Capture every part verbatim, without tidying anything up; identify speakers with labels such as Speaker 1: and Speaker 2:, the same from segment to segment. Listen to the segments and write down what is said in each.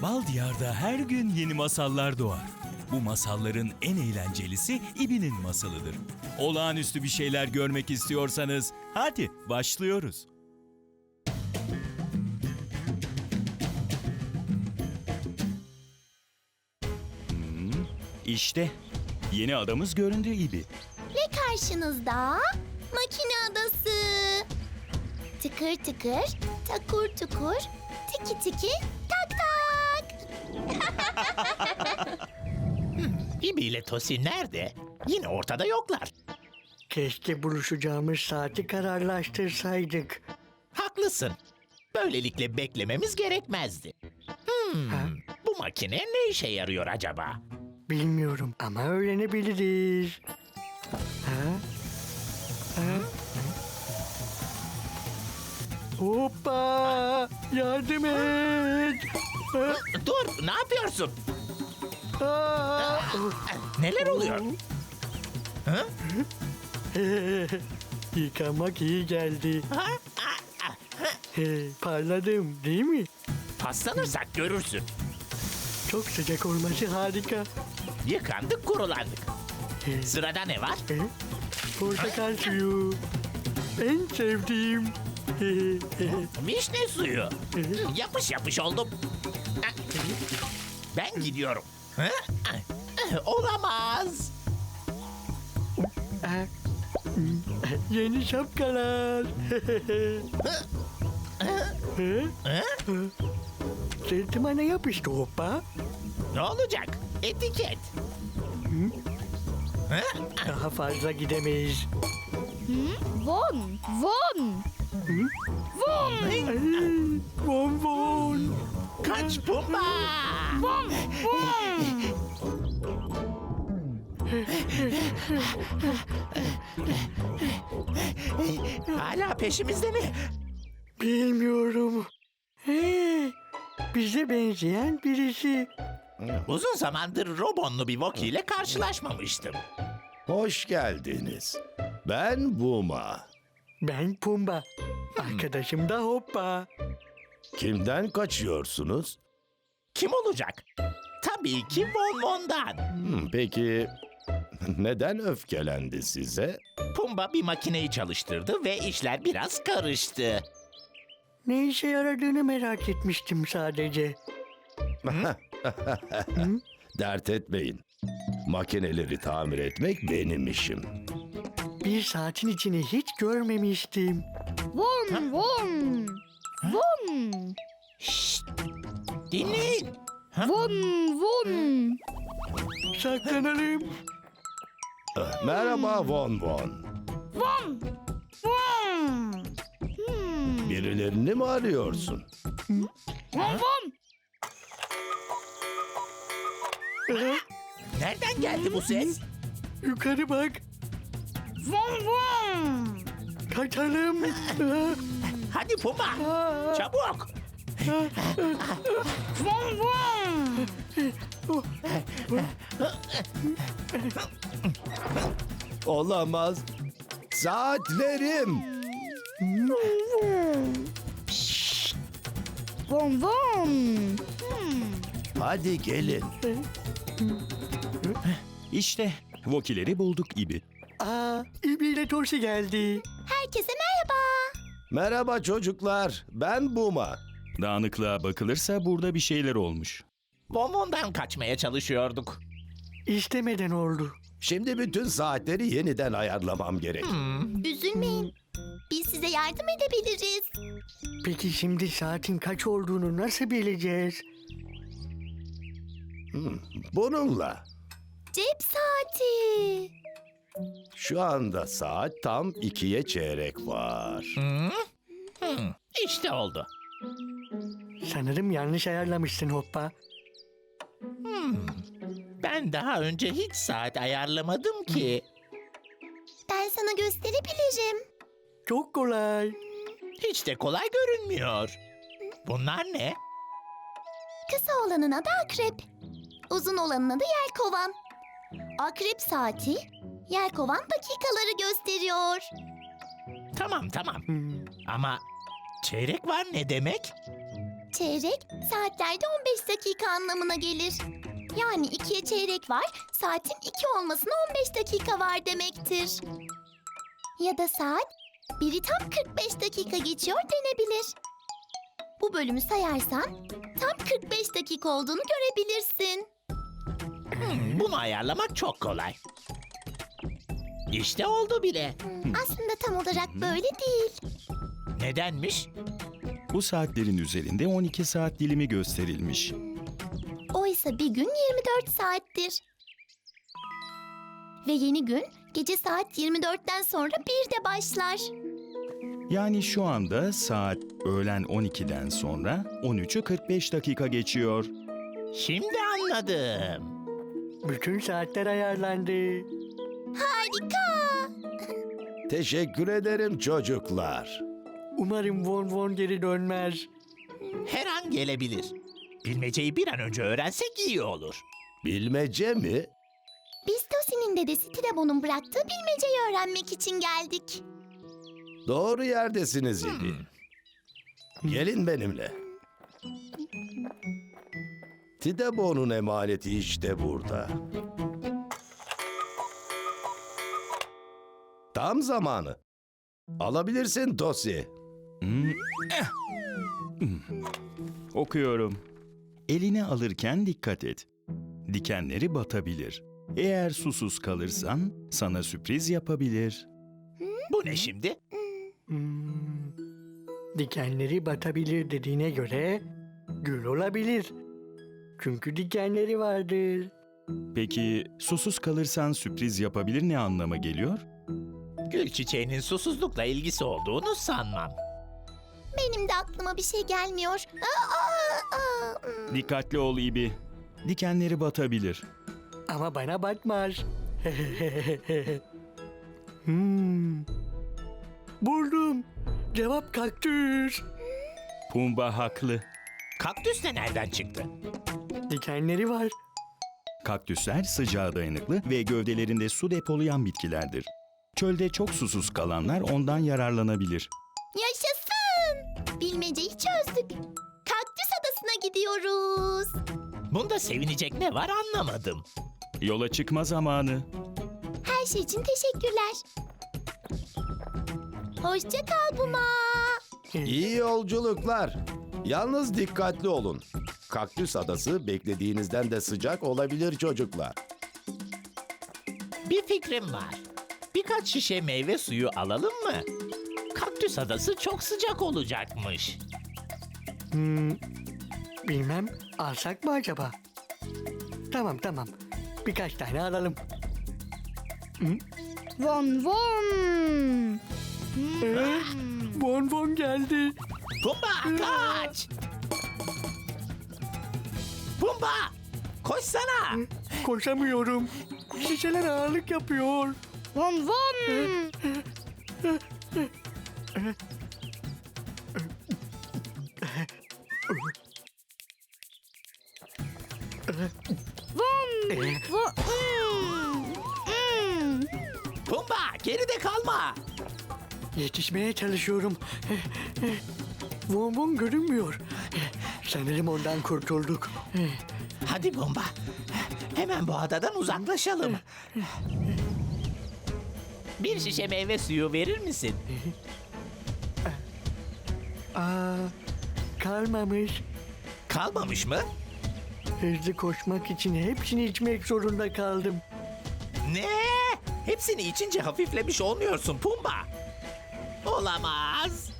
Speaker 1: Bal Diyar'da her gün yeni masallar doğar. Bu masalların en eğlencelisi İbi'nin masalıdır. Olağanüstü bir şeyler görmek istiyorsanız hadi başlıyoruz. Hmm, işte yeni adamız göründü İbi.
Speaker 2: Ve karşınızda makine adası. Tıkır tıkır, takur tukur, tiki tiki, tak tak.
Speaker 3: İbi ile Tosi nerede? Yine ortada yoklar.
Speaker 4: Keşke buluşacağımız saati kararlaştırsaydık.
Speaker 3: Haklısın. Böylelikle beklememiz gerekmezdi. Hmm, bu makine ne işe yarıyor acaba?
Speaker 4: Bilmiyorum ama öğrenebiliriz. Ha? Ha? Hoppa! Yardım et! Ha?
Speaker 3: Dur, ne yapıyorsun?
Speaker 4: Aa!
Speaker 3: Neler oluyor? Ha?
Speaker 4: Yıkamak iyi geldi.
Speaker 3: Ha? Ah, ah.
Speaker 4: He, parladım değil mi?
Speaker 3: Paslanırsak görürsün.
Speaker 4: Çok sıcak olması harika.
Speaker 3: Yıkandık, kurulandık.
Speaker 4: He,
Speaker 3: Sırada ne var?
Speaker 4: he, portakal suyu. En sevdiğim. He, he,
Speaker 3: Vişne suyu.
Speaker 4: he.
Speaker 3: Yapış yapış oldum. Ah, Ben gidiyorum. Ha? Ah, Olamaz.
Speaker 4: Ha, hmm, yeni şapkalar. He?
Speaker 3: Ha?
Speaker 4: Sırtıma ne yapıştı hoppa?
Speaker 3: Ne olacak? Etiket. Ha?
Speaker 4: Daha fazla gidemeyiz.
Speaker 2: Von, von, von,
Speaker 4: Ay, Von von.
Speaker 3: Kaç Pumba!
Speaker 2: von, von.
Speaker 3: Hala peşimizde mi?
Speaker 4: Bilmiyorum. He, bize benzeyen birisi.
Speaker 3: Uzun zamandır Robonlu bir Wookiee ile karşılaşmamıştım.
Speaker 5: Hoş geldiniz. Ben Buma.
Speaker 4: Ben Pumba. Arkadaşım da hoppa.
Speaker 5: Kimden kaçıyorsunuz?
Speaker 3: Kim olacak? Tabii ki Von Von'dan.
Speaker 5: Hmm, peki neden öfkelendi size?
Speaker 3: Pumba bir makineyi çalıştırdı ve işler biraz karıştı.
Speaker 4: Ne işe yaradığını merak etmiştim sadece.
Speaker 5: Dert etmeyin. Makineleri tamir etmek benim işim.
Speaker 4: Bir saatin içini hiç görmemiştim.
Speaker 2: Von, von, von,
Speaker 3: Şşt! Dinleyin.
Speaker 2: von, von.
Speaker 4: Saklanalım.
Speaker 5: Ah, Merhaba Von Von.
Speaker 2: Von, von. Hmm.
Speaker 5: Birilerini mi arıyorsun?
Speaker 2: Von, von.
Speaker 4: Aha,
Speaker 3: Nereden geldi bu ses?
Speaker 4: yukarı bak.
Speaker 2: Von, von.
Speaker 4: Kaçalım. Aha,
Speaker 3: Hadi Pumba,
Speaker 4: aa,
Speaker 3: çabuk.
Speaker 2: Von, von.
Speaker 5: Olamaz. Saatlerim.
Speaker 2: Von, von.
Speaker 5: Hadi gelin.
Speaker 1: İşte Wookiee'leri bulduk İbi.
Speaker 4: aa, İbi ile Torsi geldi.
Speaker 2: Herkese merhaba.
Speaker 5: Merhaba çocuklar. Ben Buma.
Speaker 1: Dağınıklığa bakılırsa burada bir şeyler olmuş.
Speaker 3: Von Von'dan kaçmaya çalışıyorduk.
Speaker 4: İstemeden oldu.
Speaker 5: Şimdi bütün saatleri yeniden ayarlamam gerek.
Speaker 2: Üzülmeyin. Biz size yardım edebiliriz.
Speaker 4: Peki şimdi saatin kaç olduğunu nasıl bileceğiz?
Speaker 5: Bununla.
Speaker 2: Cep saati.
Speaker 5: Şu anda saat tam ikiye çeyrek var.
Speaker 3: Hı? Hı, İşte oldu.
Speaker 4: Sanırım yanlış ayarlamışsın hoppa.
Speaker 3: Ben daha önce hiç saat ayarlamadım ki.
Speaker 2: Ben sana gösterebilirim.
Speaker 4: Çok kolay.
Speaker 3: Hiç de kolay görünmüyor. Bunlar ne?
Speaker 2: Kısa olanın adı akrep. Uzun olanın adı yelkovan. Akrep saati, yelkovan dakikaları gösteriyor.
Speaker 3: Tamam tamam.
Speaker 4: Hmm,
Speaker 3: Ama çeyrek var ne demek?
Speaker 2: Çeyrek saatlerde on beş dakika anlamına gelir. Yani ikiye çeyrek var, saatin iki olmasına on beş dakika var demektir. Ya da saat biri tam kırk beş dakika geçiyor denebilir. Bu bölümü sayarsan tam kırk beş dakika olduğunu görebilirsin.
Speaker 3: Hmm, bunu ayarlamak çok kolay. İşte oldu bile.
Speaker 2: Aslında tam olarak böyle değil.
Speaker 3: Nedenmiş?
Speaker 1: Bu saatlerin üzerinde on iki saat dilimi gösterilmiş.
Speaker 2: Oysa bir gün yirmi dört saattir. Ve yeni gün gece saat yirmi dörtten sonra birde başlar.
Speaker 1: Yani şu anda saat öğlen on ikiden sonra on üçü kırk beş dakika geçiyor.
Speaker 3: Şimdi anladım.
Speaker 4: Bütün saatler ayarlandı.
Speaker 2: Harika!
Speaker 5: Teşekkür ederim çocuklar.
Speaker 4: Umarım Von Von geri dönmez.
Speaker 3: Her an gelebilir. Bilmeceyi bir an önce öğrensek iyi olur.
Speaker 5: Bilmece mi?
Speaker 2: Biz Tosi'nin dedesi Tilabo'nun bıraktığı bilmeceyi öğrenmek için geldik.
Speaker 5: Doğru yerdesiniz İbi. Gelin benimle. Tidebo'nun emaneti işte burada. Tam zamanı. Alabilirsin Tosi.
Speaker 1: Hmm, eh. Hmm. Okuyorum. Elini alırken dikkat et. Dikenleri batabilir. Eğer susuz kalırsan sana sürpriz yapabilir.
Speaker 3: Bu ne şimdi?
Speaker 4: Hmm. Dikenleri batabilir dediğine göre gül olabilir. Çünkü dikenleri vardır.
Speaker 1: Peki susuz kalırsan sürpriz yapabilir ne anlama geliyor?
Speaker 3: Gül çiçeğinin susuzlukla ilgisi olduğunu sanmam.
Speaker 2: Benim de aklıma bir şey gelmiyor. Aa, aa, aa. Hmm.
Speaker 1: Dikkatli ol İbi. Dikenleri batabilir.
Speaker 4: Ama bana batmaz. hmm. Buldum. Cevap kaktüs.
Speaker 1: Pumba haklı.
Speaker 3: Kaktüs de nereden çıktı?
Speaker 4: Dikenleri var.
Speaker 1: Kaktüsler sıcağa dayanıklı ve gövdelerinde su depolayan bitkilerdir. Çölde çok susuz kalanlar ondan yararlanabilir.
Speaker 2: Yaşasın! Bilmeceyi çözdük. Kaktüs adasına gidiyoruz.
Speaker 3: Bunda sevinecek ne var anlamadım.
Speaker 1: Yola çıkma zamanı.
Speaker 2: Her şey için teşekkürler. Hoşça kal Buma.
Speaker 5: İyi yolculuklar. Yalnız dikkatli olun. Kaktüs adası beklediğinizden de sıcak olabilir çocuklar.
Speaker 3: Bir fikrim var. Birkaç şişe meyve suyu alalım mı? Kaktüs adası çok sıcak olacakmış.
Speaker 4: Hmm. Bilmem, alsak mı acaba? Tamam tamam. Birkaç tane alalım.
Speaker 2: Von von.
Speaker 4: Ee, Von Von geldi.
Speaker 3: Pumba kaç! Pumba! Koşsana!
Speaker 4: Koşamıyorum. Şişeler ağırlık yapıyor.
Speaker 2: Von von.
Speaker 3: Pumba geride kalma!
Speaker 4: Yetişmeye çalışıyorum. Von Von görünmüyor. Sanırım ondan kurtulduk.
Speaker 3: Hadi Pumba. Hemen bu adadan uzaklaşalım. Bir şişe meyve suyu verir misin?
Speaker 4: Aa, kalmamış.
Speaker 3: Kalmamış mı?
Speaker 4: Hızlı koşmak için hepsini içmek zorunda kaldım.
Speaker 3: Ne? Hepsini içince hafiflemiş olmuyorsun Pumba. Olamaz.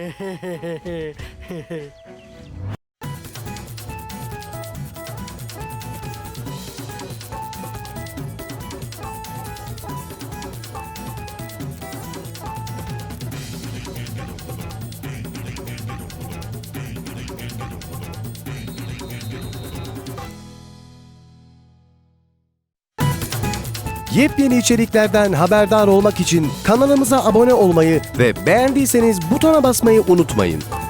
Speaker 6: Yepyeni içeriklerden haberdar olmak için kanalımıza abone olmayı ve beğendiyseniz butona basmayı unutmayın.